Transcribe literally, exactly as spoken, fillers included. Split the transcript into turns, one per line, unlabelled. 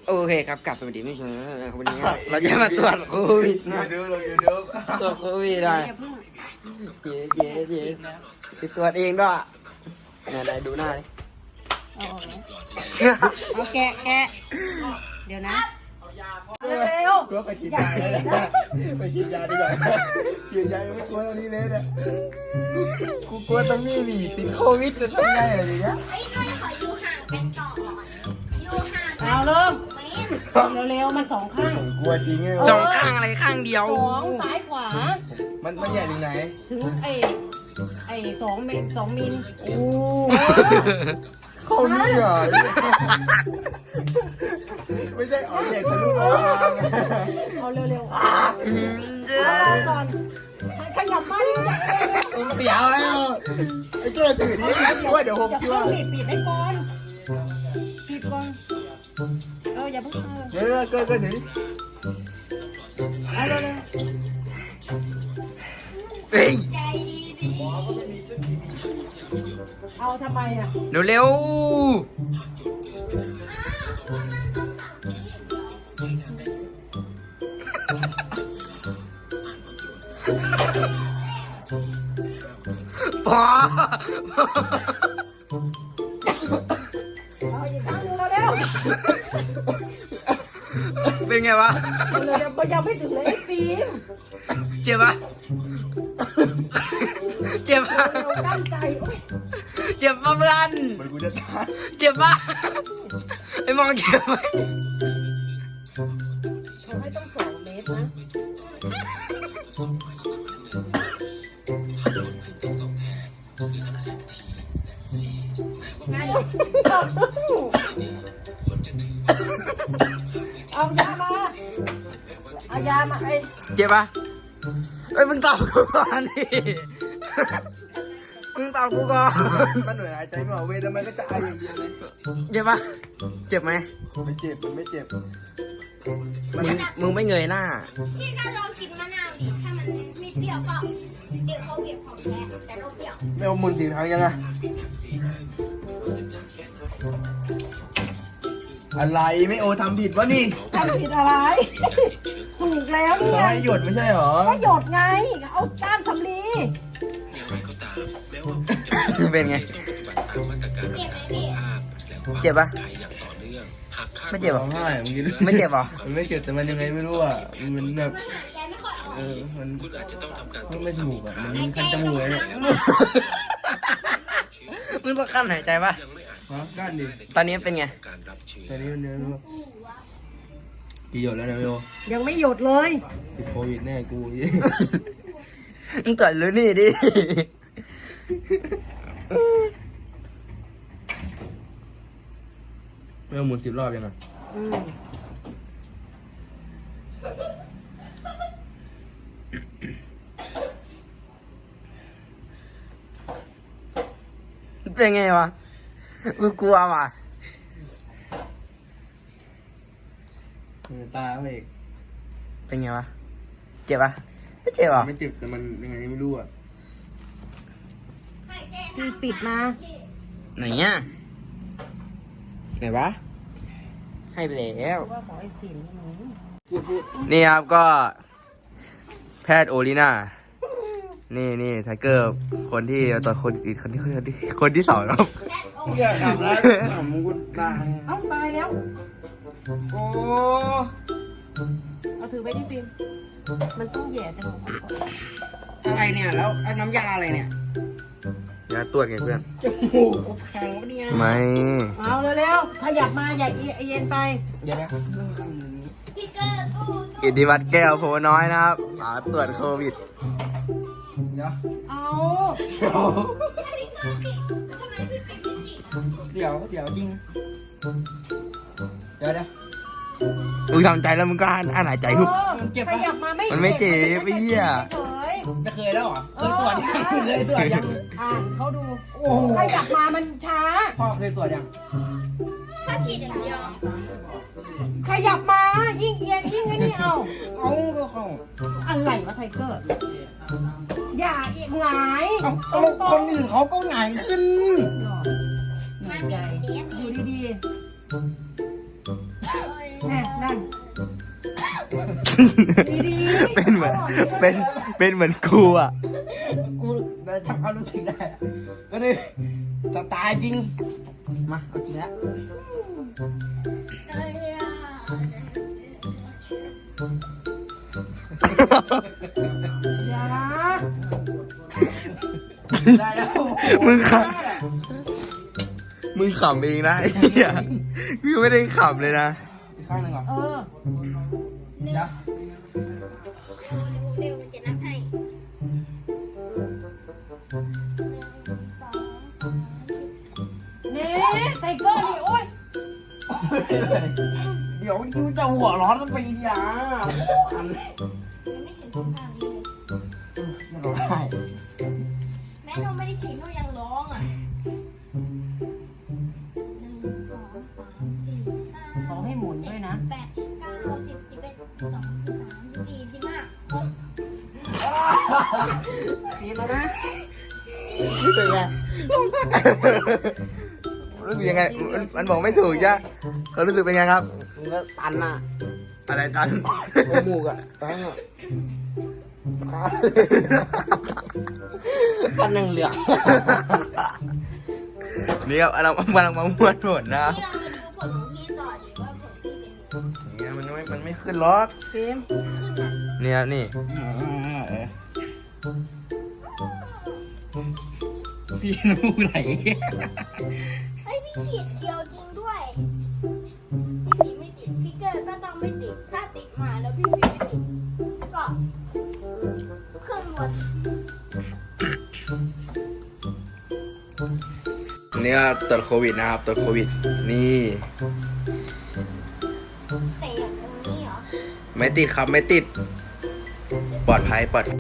โอเคครับกลับสวัสดีไม่ใช่วันนี้เราจะมาตรวจโควิดนะตรวจโควิดได้เย้เย้เย้ติดตรวจเองด้วยเนี่ยไหนดูหน้าดิ
เอาแกะแกะเดี๋ยวนะเร็ว
กลัวไปฉีดยาเลยนะไปฉีดยาดีกว่าฉีดยาไม่กลัวตรงนี้เลยนะกูกลัวตรงนี้ดิติดโควิดจะทำไงอะไรอย่างเงี้ย
เอาเริ่มเร็วๆมันสองข้าง
กลัวจริงไง
สองข้างอะไรข้างเดียว
สองซ้ายขวา
มันมันใหญ่ถึงไหน
ถึงไอ้ไอ้สองเมตรสองมิล
โอ้เข้านี่เหรอไม่ใช่อ๋อใหญ่ทะลุออกมา
เอาเร็วๆเอาก่อนขยับมาดิ
เสียวไอ้ไอ้เก้ถือดิว่าเดี๋ยวผม
อย่า
คิด
เพิ่
ว่าง
ปิดปิดให้ก่อนปิดก่อนเอออย่าเพิ่งเออ
เดี๋ยวเก้เก้ถือดิ
เอาเร็ว
เฮ้ย
ๆเอาทำไมอ่ะ
เร็วเร็วพอ
เอาอีกครั้งหนึงเร็ว
เป็นไงวะ
ๆเอาเร็วๆยังไม่ถึงเลยไอ้ฟิล์ม
เจ็บปะเจ็บปะ
เร็วตั้งใจโอ๊ย
เจ็บปะเพื่อน
มันกูจะตาย
เจ็บปะไอ้มองเจ็บไหม
เขาให้ต้องสองเมตรนะเอายามาเอายามาไอ้
เจ็บปะเอ้ยมึงตอบกูก่อนดิมึงตอบกูก่อน
มันเหนื่อยหายใจไม่ออกเว้ยแล้วมันก็จะไออย่างเดียวเลย
เจ็บปะเจ็บไหม
ไม่เจ็บมันไม่เจ็บ
มึงมึงไม่เงยหน้า
พี่ก็ลองกินมะนาวดิถ้ามันมีเปรี้ยวก็เดี๋ยวเขาเบียบของแท้แต่เราเปรี้ยว
ไม่เอามุนสีทางยังไงอะไรไม่โอทำผิดวะนี่
ทำผิดอะไรถูกแล้วเนี่
เขา
ย
ให้หยดไม่ใช่หรอ
ก็หยดไง เอาก้านสำลี
เป็นไง
เก็บไว้พี่
เจ็บปะไม่เจ็บหร
ร้
อ
องไห้มึงกิน
ไม่เจ็บหรอ
มันไม่เจ็บแต่มันยังไงไม่รู้อ่ะมันแบบ
แกไม่ค่อยออก
เออมันมันไม่ถูกอ่ะมันคันจมูกเลยเนี่ย
มึงต้องกั้นหายใจปะ
ฮะก้านดิ
ตอนนี้เป็นไง
ตอนนี้มันเนี่ยรู้กี่หยดแล้วนะโย
ยังไม่หยดเลย
ติดโควิดแน่กู
มึงตรวจรู้นี่ดิ
ไม่เอาหมุนสิบรอบยังไง
อืม
เป็นไงวะ กูกลัวว่ะ
ตาไปอีก
เป็นไงวะ เจ็บปะไม่เจ็บหรอ
ไม่เจ็บแต่มันยังไงไม่รู้อ่ะ
ให้แก
พี่ปิดมา
ไหนอ่ะไหนวะ ให้ไปแล้ว
ว่าขอไอ้ฟิล์มหนู
พูดพูด
นี่ครับก็ แพทย์โอลิน่า นี่นี่ไทเกอร์ คนที่ตอนคนอีกคนที่คนที่คนที่สองครับ
อย่าขับแล้วขำกูตาย
เอ้าตายแล้ว
โอ้
เอาถือไปที่ฟิล์มมันต้องแหย่จมูกก่อน
อะไรเนี่ยแล้วน้ำยาอะไรเนี่ยยาตรวจไงเพื่อน
จมูกกูพังปะเนี่ย
ไม่
เอาเร็วๆ ขยับมาอย่าเอียงไป
เดี๋ยวนะ
พี่เกอร์ตู้ตู้
อิทธิวัตรแก้วโพน้อยนะครับหาตรวจโควิด
เดี๋ยว
เอา
เสียว
ถ้าพี่เกอร์ปิดทำไมพี่ปิดไม่ติด
เสียวเสียวจริงเดี๋ยวเดี๋ยว
มึงทำใจแล้วมึงก็อ่านอ่านหายใจทุก
เออขยับมาไม่
มันไม่เจ็บไอ้เหี้ย
เฉย
ไม่เคยแล้วเหรอเคยตรวจยังเคยตรวจยัง
อ่านเขาดู
โอ้โห
ขยับมามันช้า
พ่อเคยตรวจยัง
ถ้าฉีดอย่างเดียว
ขยับมา ยิ่งเอียงยิ่งไอ้นี่เอา
เอาก็เข้า
อะไรวะไทเกอร์ อย่าเอียงหงาย
เอาเอาคนอื่นเขาก็หงายขึ้น
หน่อย
มัน
ให
เด็
ญ่
กเนี้ย
ดูดี
เอ้ย
แน่นั่นดี
เป็นเหมือนเป็นเป็นเหมือนกูอ่ะ
กูแต่ทำความรู้สึกได้อะก็เลยจะตายจริง
มาเอาจริงแล้ว
เอ้ยอ่ะ
อย่า
ได้แล้ว
มึงขำมึงขำเองนะไอ้เหี้ยพี่ไม่ได้ขำเลยนะ
อีกข้างหนึ่งเหรอ
เออ
เดี๋ยว
เร็วๆจะนับให้หนึ่งสองสามสี่
นี่ไทเกอร์นี่โอ๊ย
เดี๋ยวดิวจะหัวร้อนมันไปอีกอย่างอัน
ยังไม่ถึงสิบห้าวิเลย
มันร้องไห้
แม่หนูไม่ได้ฉีดหนูยังร้องอ่ะหนึ่งสองสามสี่ห้า
ขอให้หมุนด้วยนะ
แปดเก้าสิบสิบเอ็ดสิบสองสิบสามสิบสี่สิบห้าหก
สีแล้วนะ
เป็นไงรู้สึกยังไงมันมันบอกไม่ถูกจ้ะเขารู้สึกเป็นไงครับ
มึงก็ตันอ่ะ
อะไรตัน
โอมูกอ่ะตันอ่ะฟันยังเหลือง
นี่ครับเรากำลังมาม้วนผลนะครับ
นี่เรามาดูผลของพี่ต่อดีว่าผลพี่เป็นยังไง
เนี่ยมันไม่มันไม่ขึ้นล็อก
ฟิล์ม
ขึ้นนะ
เนี่ยนี่
พี่น้ำมูกไหล
เฮ้ยพี่ฉีดเดียวจริงด้วยพี่สีไม่ติดพี่เกิดก็ต้องไม่ติดถ้าติดมาแล้วพี่สีไม่ติดก็เครื่องหมด
นี่ก็ตรวจโควิดนะครับตรวจโควิด นี่
เสียงตรงนี้เหรอ
ไม่ติดครับไม่ติด ปลอดภัยปลอด